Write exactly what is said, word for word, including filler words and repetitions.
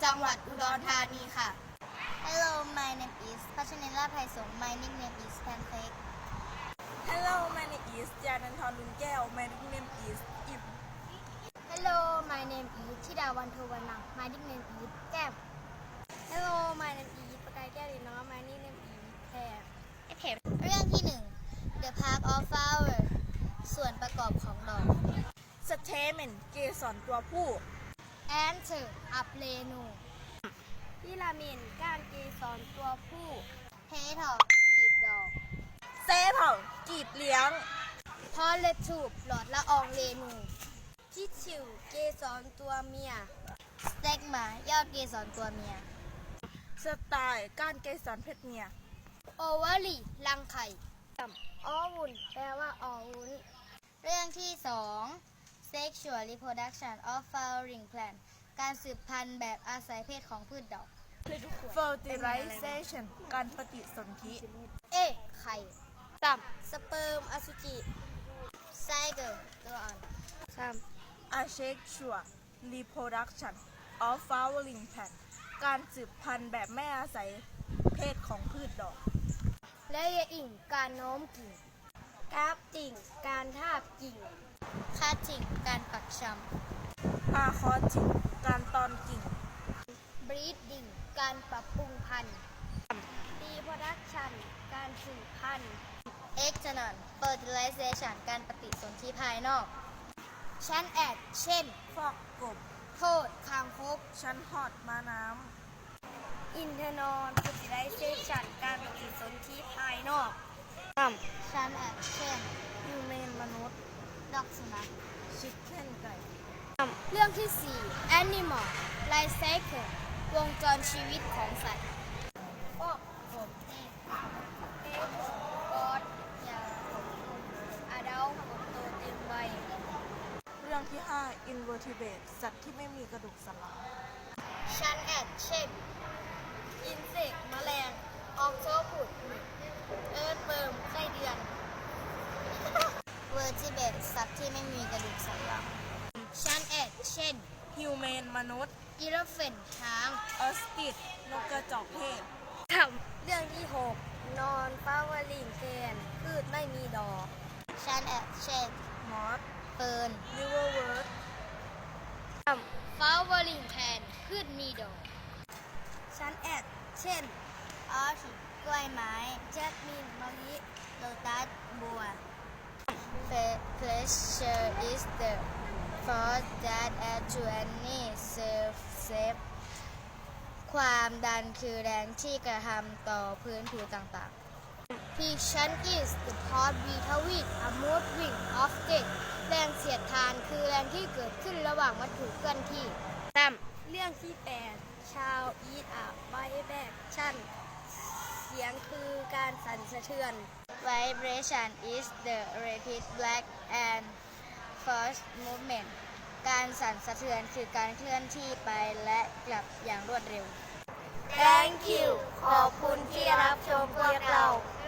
จังหวัดอุดรธานีค่ะ Hello, my name is Pashanila Paisong. My nickname is Pancake. Hello, my name is จานันทรลุนแก้ว My nickname is อิม Hello, my name is Chidawan Thovanang. My nickname is Gam. Hello, my name is ประกายแก้วดินน้อง My nickname is แพรแพรเรื่องที่หนึ่ง The Park of Flower ส่วนประกอบของดอก Stamen เกสรตัวผู้ Answer อัปเรนูพิรามินก้านเกสรตัวผู้เพทอกีบดอกเซเผากีบเลี้ยงพอเลทูบหลอดละอองเรนูทิชชิวเกสรตัวเมียสเต็กหมายอดเกสรตัวเมียสไตล์ก้านเกสรเพศเมียโอวาลีรังไข่ออวุนแปลว่าออวุ้นเรื่องที่สอง Sexual reproduction of flowering plant การสืบพันธุ์แบบอาศัยเพศของพืชดอก Fertilization การปฏิสนธิเอไข่ต่ำสเปิร์มอสุจิไซเกอร์ตัวอ่อนซ้ Asexual reproduction of flowering plant การสืบพันธุ์แบบไม่อาศัยเพศของพืชดอกำและเยอิ่งการโน้มกิ่งกราฟติ่งการทาบกิ่งคาจิ่งการปักชำอาคอจิการตอนกิ่ง breeding การปรับปรุงพันธุ์ reproduction การสืบพันธุ์ external fertilization การปฏิสนธิภายนอก ชั้นแอดเช่นฟอกกบโทษคางคกชั้นหอดม้าน้ internal fertilization การปฏิสนธิภายนอก ชั้นแอดเช่นำฮิวแมนมนุษย์ดอกสุนัขชิคเก้นไก่เรื่องที่สี่ animal life cycle วงจรชีวิตของสัตว์ฟอกกบเอ็กกอดยาอาดาลผลโตเต็มวัยเรื่องที่ห้า Invertebrate สัตว์ที่ไม่มีกระดูกสันหลังชั้นแอดเช่น อินเสกแมลง ออกโชผุด เอิร์ธเบิร์มไส้เดือน เวอร์จิเบตสัตว์ที่ไม่มีกระดูกสันหลัง ชั้นแอดเช่นฮิวแมนมนุษย์อีเลฟเฟนช้างออสติดนกกระจอกเทศเรื่องที่หก นอนฟาวลิงเกนพืชไม่มีดอก ชั้นแอดเช่นมอสเฟิร์นลิเวอร์เวิร์ดฟาวลิงแคนพืชมีดอก ชั้นแอดเช่น ออชิกล้วยไม้แจสมินมะลิโลตัสบัว Pleasure is the force that adds to any surface ความดันคือแรงที่กระทำต่อพื้นผิวต่างๆ Friction is the force between a moving object แรงเสียดทานคือแรงที่เกิดขึ้นระหว่างวัตถุเคลื่อนที่ตั้มเรื่องที่แปดชาว Eat a vibration เสียงคือการสั่นสะเทือน Vibration is the rapid back and forth movement การสั่นสะเทือนคือการเคลื่อนที่ไปและกลับอย่างรวดเร็ว Thank you ขอบคุณที่รับชมพวกเรา